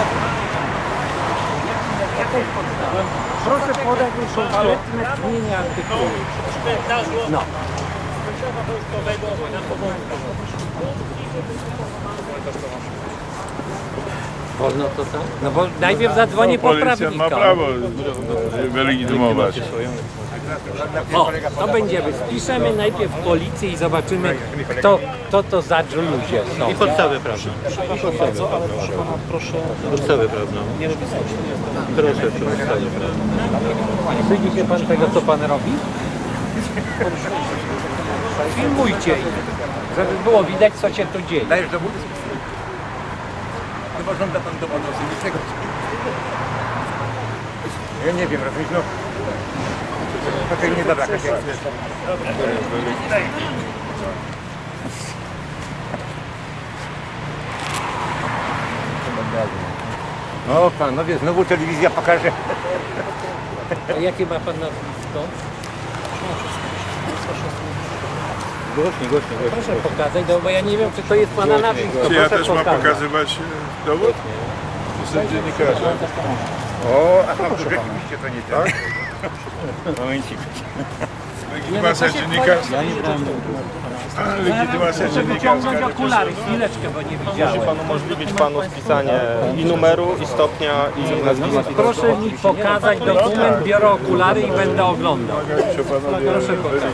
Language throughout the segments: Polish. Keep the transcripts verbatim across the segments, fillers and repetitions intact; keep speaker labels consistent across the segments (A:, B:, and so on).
A: Proszę podać mi konkretne brzmienie artykułu. No. Wolno to tam? No bo najpierw zadzwonię po
B: Policjant
A: prawnika.
B: ma prawo wylegitymować.
A: O, to będziemy. Spiszemy najpierw policję i zobaczymy, kto, kto to za ludzie są.
C: I podstawę prawną. I podstawę prawną. Proszę. Podstawę prawną. Proszę, podstawę prawną.
A: Wstydzi się pan tego, co pan robi? Filmujcie ich, żeby było widać, co się tu dzieje.
D: Dajesz dowód? Chyba żąda pan dowodu osobistego. Ja nie wiem, rozumiesz, no. Okej, nie dobra, jak jest. O panowie, znowu telewizja pokaże.
A: A jakie ma pan nazwisko?
C: Głośniej, głośniej, głośniej.
A: Proszę pokazać, no bo ja nie wiem, czy to jest pana nazwisko.
B: Czy ja
A: Proszę
B: też mam
A: pokazać.
B: pokazywać e, dowód? Jestem dziennikarzem.
D: O, aha, to rzeczywiście to nie tak. Momencik.
B: Legitymacja dziennikarska. Legitymacja
A: Proszę wyciągnąć
B: dziennikarska.
A: okulary, chwileczkę, bo nie widziałem.
E: Musi Pan umożliwić Panu spisanie i numeru, i stopnia, i nazwiska.
A: Proszę mi pokazać dokument, biorę okulary i będę oglądał.
B: Proszę pokazać.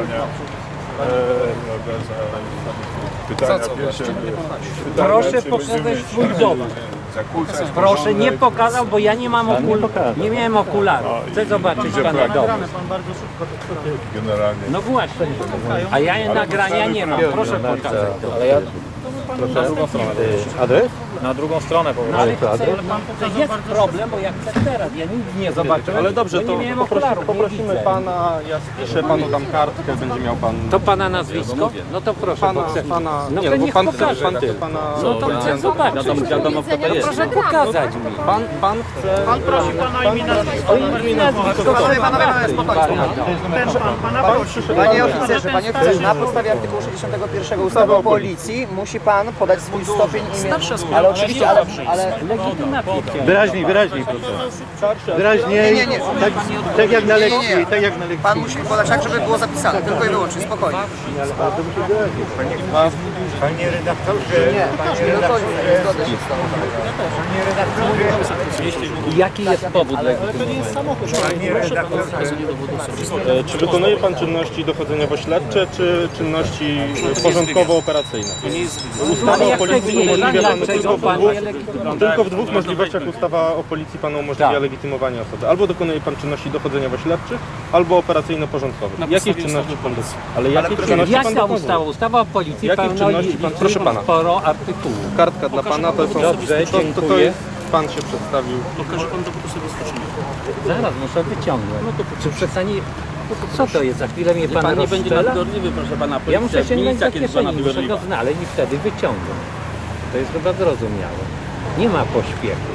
B: Pytania pierwsze.
A: Proszę pokazać swój dowód. Proszę, nie pokazał, bo ja nie mam okularów. Nie miałem okularów. Chcę zobaczyć pana dowód.
B: Generalnie.
A: No właśnie. A ja nagrania nie mam. Proszę pokazać.
C: Ale ja... Proszę. Adres?
E: Na drugą stronę po
A: No ale chcę, to jest problem, bo ja chcę teraz. Ja nic nie zobaczyłem.
E: Ale dobrze,
A: bo
E: to
A: nie miałem
E: poprosi,
A: okularów, nie
E: poprosimy
A: widzę.
E: Pana, ja spiszę Panu tam kartkę, będzie miał Pan...
A: To pana nazwisko? No to proszę,
E: Pana,
A: bo chcę.
E: pana,
A: No
E: nie,
A: to
E: bo
A: niech
E: pan,
A: pokaże.
E: pan chce Pana...
A: No to chcę zobaczyć.
E: Wiadomo, kto to
A: No
E: jest.
A: proszę pokazać mi.
E: Pan, pan chce... Pan prosi Pana imię
A: O imię i nazwisko.
F: Panowie, panowie, panowie, spokojnie. Panie oficerze, panie oficerze, na podstawie artykułu sześćdziesiątego pierwszego ustawy o policji musi pan podać swój stopień imię. Ale oczywiście, ale, ale
A: Legitymację chciałem.
C: Wyraźniej, wyraźniej proszę. Wyraźniej.
F: Nie, nie, nie.
C: Tak, tak jak na
F: Nie, nie,
C: lekcji,
F: nie.
C: tak jak na lekcji.
F: pan musi podać tak, żeby było zapisane, tylko i wyłącznie, spokojnie.
D: Panie redaktorze, panie
F: No to
D: redaktorze,
F: zgodzę się z tobą.
A: I jaki jest powód
D: panie redaktorze.
E: E, Czy wykonuje Pan czynności dochodzeniowo-śledcze, czy czynności e, porządkowo-operacyjne? Ustawa
A: Ale
E: o
A: ja chcę
E: policji
A: wiedzieć,
E: umożliwia Panu
A: dlaczego
E: tylko w
A: pan
E: dwóch,
A: nie legitymuje.
E: tylko w dwóch możliwościach ustawa o policji Panu umożliwia
A: Tak.
E: legitymowanie osoby. Albo dokonuje Pan czynności dochodzeniowo-śledczych, albo operacyjno-porządkowych. Jakie czynności Pan dokonuje? Ale jakie czynności Pan
A: Jaka
E: dokonuje?
A: ustawa? Ustawa o policji
E: Jakich
A: pełno
E: czynności
A: i-
E: pan-
A: i
E: proszę pana.
A: sporo artykułów.
E: Kartka dla Pana to są...
A: Dobrze,
E: to, to, to
A: dziękuję.
E: jest... Pan się przedstawił.
A: Zaraz muszę wyciągnąć. Czy przestanie... Co to jest? Za chwilę mnie pan,
G: Pan nie będzie
A: rozstrzela?
G: nadgorliwy, proszę pana.
A: Ja muszę
G: Policja,
A: sięgnąć
G: milicja
A: do
G: kiedyś pana
A: kieszeni, muszę
G: wygodliwa.
A: go znaleźć i wtedy wyciągnąć. To jest chyba zrozumiałe. Nie ma pośpiechu.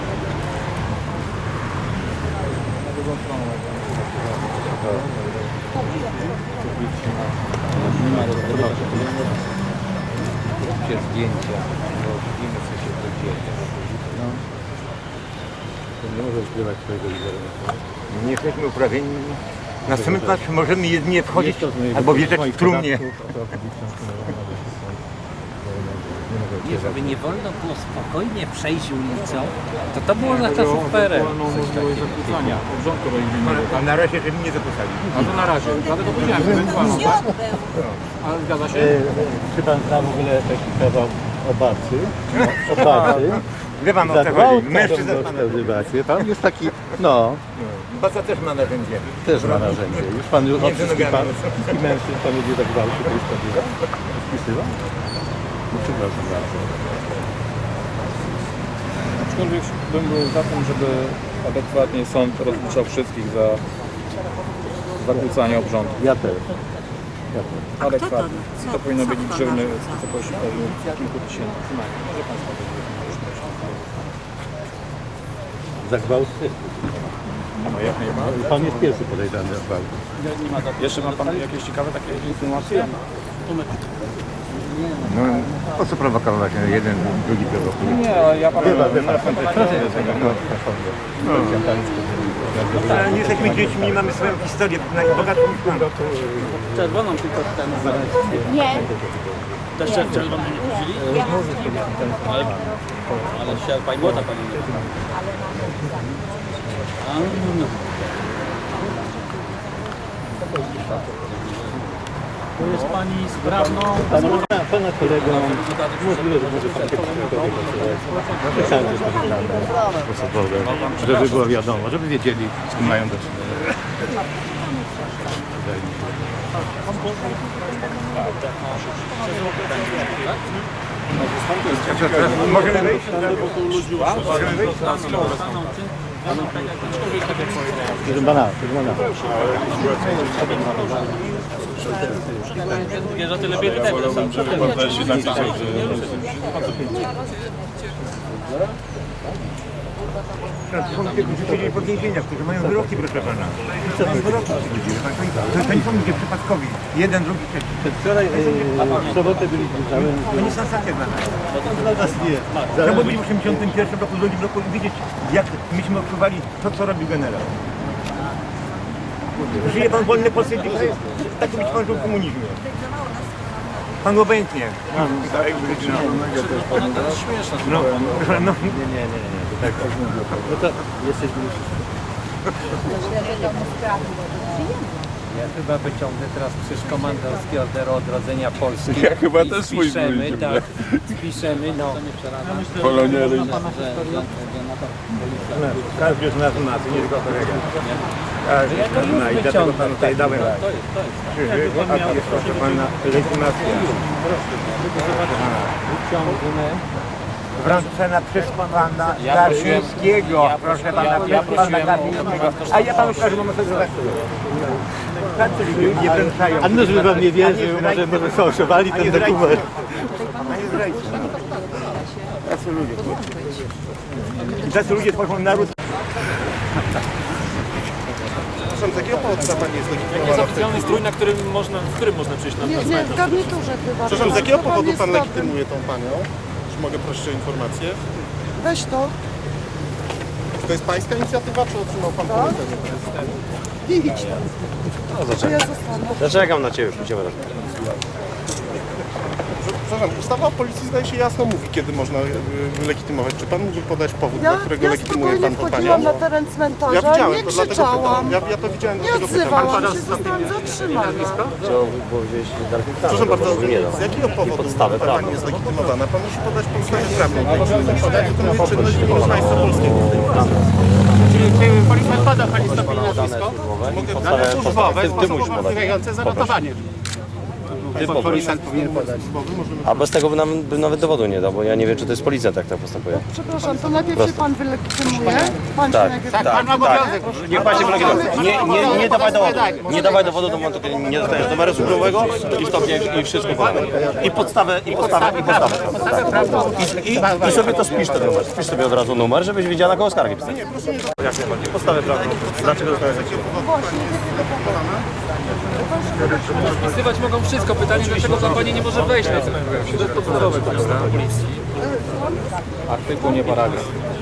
A: Róbcie zdjęcia, bo widzimy, co się tu dzieje.
C: Nie może ukrywać swojego wizerunku.
D: Nie jesteśmy uprawieni. Na cmentarz możemy jedynie wchodzić
C: Jest to z mojego-
D: albo wjeżdżać
C: moich
D: w trumnie.
C: podatków, osoba publiczna, nie mogę
A: Nie, żeby nie wolno było spokojnie przejść ulicą, to to było za czasów P R L.
D: A na razie, żeby nie zapisali.
C: E, Czy pan zna w ogóle taki kawał obacy? Obacy.
D: Wie pan o
C: Za
D: co
C: gwałt
D: chodzi? Mężczyzna
C: taką nazywać, wie pan? Jest taki, no,
D: Baca też ma narzędzie.
C: też ma narzędzie. Już pan już od
D: Między
C: wszystkich pan,
D: nogami.
C: wszystkich mężczyzn pan jedzie do gwałtu, to jest prawdziwe? Spisywał? No przepraszam bardzo.
H: Aczkolwiek bym był za tym, żeby adekwatnie sąd rozliczał wszystkich za zakłócanie obrządku.
C: Ja też. Ja też.
H: Adekwatnie. To powinno być grzywny w wysokości pewnie kilku tysięcy. Może pan sobie
C: Za gwałt też.
H: no, jak najbardziej.
C: Pan jest pierwszy podejrzany za gwałt.
H: Jeszcze ma pan jakieś ciekawe takie informacje?
D: No, po co prowokować? Jeden, drugi prowokuje.
H: Nie, ale ja panu...
D: Ale nie jesteśmy dziećmi, nie mamy swoją historię, najbogatszą niż mamy.
A: Czerwoną tylko ten
G: Nie.
A: Też czerwoną nie wzięli? Ale, ale się pani młoda pani nie. A, no. To jest pani sprawną.
C: Pana kolegą, możliwe, że może pan Myślałem, że jest osobowe, żeby było wiadomo, żeby wiedzieli, z kim mają do czynienia.
D: Możemy wyjść? Możemy wyjść?
C: Proszę pana, proszę pana.
A: Wiesz, że tyle biedy tego.
D: Są ludzie, którzy siedzieli pod więzieniach, którzy mają wyroki, proszę pana. Mają wyroki. To, to nie są ludzie przypadkowi. Jeden, drugi, trzeci.
C: Wczoraj, w sobotę byliśmy całym...
D: To nie sensacja dla nas.
C: Dla nas nie.
D: Trzeba było być w osiemdziesiątym pierwszym roku, ludzi w roku i widzieć, jak myśmy odczuwali to, co robił generał. Żyje pan w wolnej Polsce dzisiaj? Tak być pan żył w komunizmie. Pan obojętnie. No, no, no.
C: Nie, nie, nie, nie. To tak. No to jesteśmy już...
A: Ja chyba wyciągnę teraz krzyż komandorski Orderu Odrodzenia Polski.
B: Ja chyba
A: i
B: też swój
A: spiszemy,
B: wyjdzie.
A: tak, spiszemy, no.
B: Poloniery.
D: Każdy z nas ma, to nie tylko kolega. Każdy
A: Ja to
D: z nas
A: już
D: ma i dlatego
A: wyciągnę.
D: panu tutaj dałem
A: To jest, to jest.
D: krzyżyk, a jest proszę pana legitymacja.
A: Wyciągnę.
D: Wręczona przez pana Garbińskiego. Proszę pana, przez pana Garbińskiego. A ja panu każę, mam sobie zobaczyć. Tacy ludzie wręczają.
C: A no, żeby pan nie wierzył, może, może fałszowali ten dokument.
D: A nie zdrajcy. Tacy ludzie. I tacy ludzie tworzą naród.
E: Przepraszam, z jakiego powodu ta pani jest
I: Jaki jest
E: legitymowana?
I: oficjalny strój, na którym można, w którym można przyjść na
G: Nie, nie, w garniturze chyba.
E: Przepraszam, z jakiego
G: Pan
E: powodu
G: jest
E: pan
G: dobry.
E: legitymuje tą panią? Czy mogę prosić o informację?
G: Weź to.
E: Czy to jest pańska inicjatywa, czy otrzymał pan polecenie prezydenta?
G: Idź tam. Czy ja zostanę?
C: Zaczekam na ciebie, idziemy razem.
E: Przepraszam, ustawa o policji zdaje się jasno mówi, kiedy można y, legitymować. Czy pan mógłby podać powód,
G: Ja,
E: dla którego
G: ja
E: legitymuje
G: spokojnie
E: pan tą
G: wchodziłam
E: panią?
G: na teren
E: Ja
G: cmentarza,
E: widziałem,
G: nie
E: to dlatego
G: krzyczałam,
E: pytam. Ja, ja to widziałem,
G: nie
E: dlatego pytam.
G: odzywałam się, zostałam zatrzymana.
E: Proszę bardzo, z jakiego powodu ta pani jest legitymowana? Pan musi podać podstawę prawną. Podać, wykonuje czynność w imieniu państwa polskiego.
I: Policjant pada pani stopień nazwisko?
E: Dane służbowe,
C: ty musisz podać.
I: Wynikające zanotowanie.
E: Policjant powinien podać.
J: A bez tego by nam, by nawet dowodu nie dał, bo ja nie wiem, czy to jest policjant, jak tak postępuje.
G: Przepraszam, to najpierw się pan wylegitymuje. Pan
J: Tak,
G: się najpierw
J: tak,
I: Pan ma obowiązek.
J: Niech pan się wylegitymuje. Nie, nie, nie dawaj dowodu. Nie dawaj dowodu do momentu, kiedy nie dostaniesz numeru służbowego i stopnia i wszystko podane. I podstawę, i podstawę, i podstawę. Tak. I, i, I sobie to spisz ten numer. Spisz sobie od razu numer, żebyś wiedziała, na kogo skargi pisać. Jak najbardziej. Podstawę prawną. Dlaczego dostałeś takiego?
I: Wpisywać mogą wszystko. Pytanie, dlaczego pan pani nie może wejść na ten To jest podstawowe policji.
H: Artykuł, nie paragraf.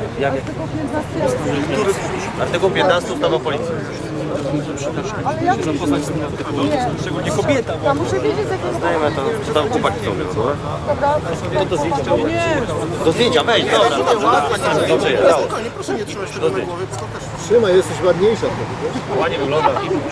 J: Artykuł piętnasty ustawy o policji.
G: Ale ja nie,
I: kobieta.
G: ja muszę wiedzieć z jakiego
J: Dajmy to, co tam chłopaki są, więc dobra?
G: dobra.
J: To do zdjęcia. Do zdjęcia, wejdź, dobra. Dobrze jest.
E: Spokojnie, proszę nie trzymać tego na głowie, bo to też...
C: Trzymaj, jesteś ładniejsza.
J: Ładnie wygląda.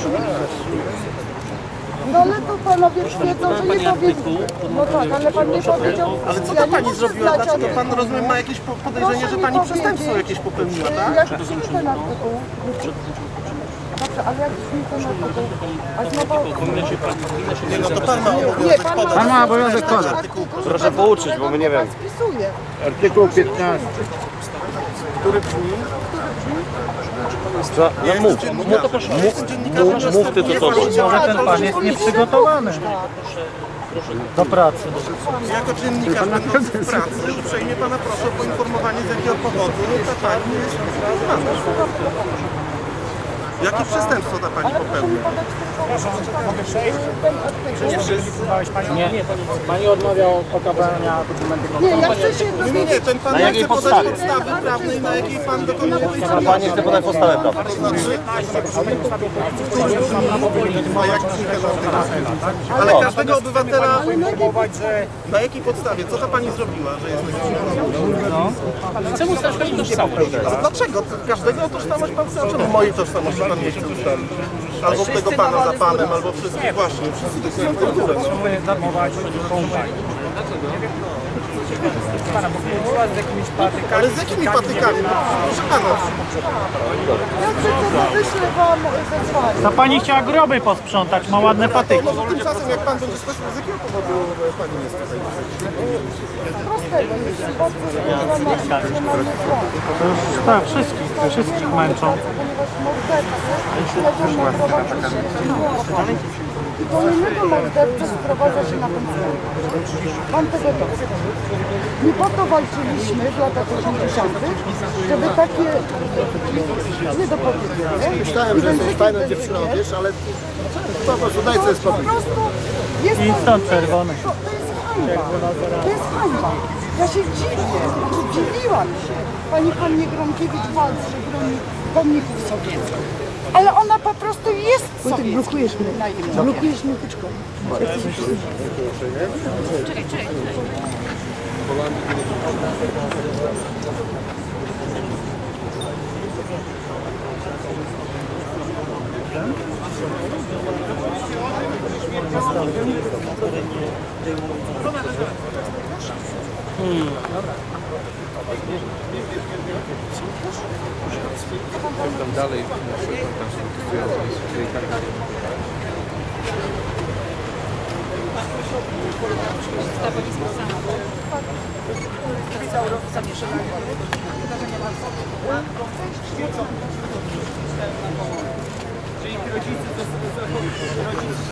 G: No ale to panowie wiedzą, że nie powinien. No tak, ale pan nie powiedział.
E: Ale co
G: ja
E: ta
G: nie
E: pani
G: muszę
E: zrobiła?
G: znać,
E: Dlaczego
G: ale-
E: pan, rozumiem, ma jakieś po- podejrzenie,
G: Proszę
E: że
G: mi
E: pani
G: powiedzieć,
E: przestępstwo jakieś popełniła,
G: y,
E: tak?
G: Jak brzmi ten artykuł? Dobrze, ale jak brzmi ten artykuł? A znowu...
E: Nie, no to pan ma
G: Nie,
E: obowiązek
G: pan
E: podać.
G: ma, pan ma obowiązek podać.
J: Proszę pouczyć, bo my nie wiemy.
G: Spisuje.
D: Artykuł piętnasty.
E: Który brzmi?
J: Co? No mów.
E: No to proszę.
J: Mów, mów ty to co.
G: Może ten pan jest nieprzygotowany
C: Do pracy.
E: Jako dziennikarz będący w pracy uprzejmie pana proszę o poinformowanie, z jakiego powodu ta pani jest legitymowana. Jakie przestępstwo ta pani popełniła?
A: Nie, pani odmawia okazywania dokumentów.
G: Nie, ja chcę się
E: Nie, nie, nie, ten pan
J: Na
E: nie
J: jakiej
E: chce podać
J: podstawie?
E: podstawy prawnej, na jakiej pan dokonuje tej
J: Pan
E: czynności.
J: nie chce podać podstawę prawną.
E: To znaczy, a jak ale każdego obywatela, na jakiej podstawie? Co ta pani zrobiła, że jest
I: Chcę ustalić pani tożsamość.
E: A dlaczego? Każdego tożsamość pan chce? Czemu mojej tożsamości pan nie chce ustalić? Albo tego pana za panem, albo wszystkich właśnie. Wszyscy to są kulturę. Ale z jakimi patykami? Proszę pana.
G: Ja chcę, wyślę wam zezwanie.
A: Ta pani chciała groby posprzątać, ma ładne patyki.
E: Może tymczasem jak pan będzie skończył, z jakiego powodu pani jest tutaj?
G: Prostego, jeśli bardzo emocjonalny dzwon.
A: To już tak, wszystkich, wszystkich męczą.
G: Ponieważ mordercy śledzą na prowadzi się i kolejnego mordercy sprowadza się na ten cel. Pan tego nie chce. Nie po to walczyliśmy w latach osiemdziesiątych, żeby takie niedopowiedzenie. Myślałem, że jesteś fajną dziewczyną, wiesz, ale po prostu daj sobie spokój. Po prostu jest
A: I stąd czerwony.
G: To, to jest hańba. To jest hańba. Ja się dziwię, znaczy dziwiłam się. Pani Pannie Gronkiewicz walczy, broni pomników sowieckich. Ale ona po prostu jest sowiecka. Blokujesz mnie. Blokujesz mnie tyczką. Czekaj, czekaj.
H: Dalej.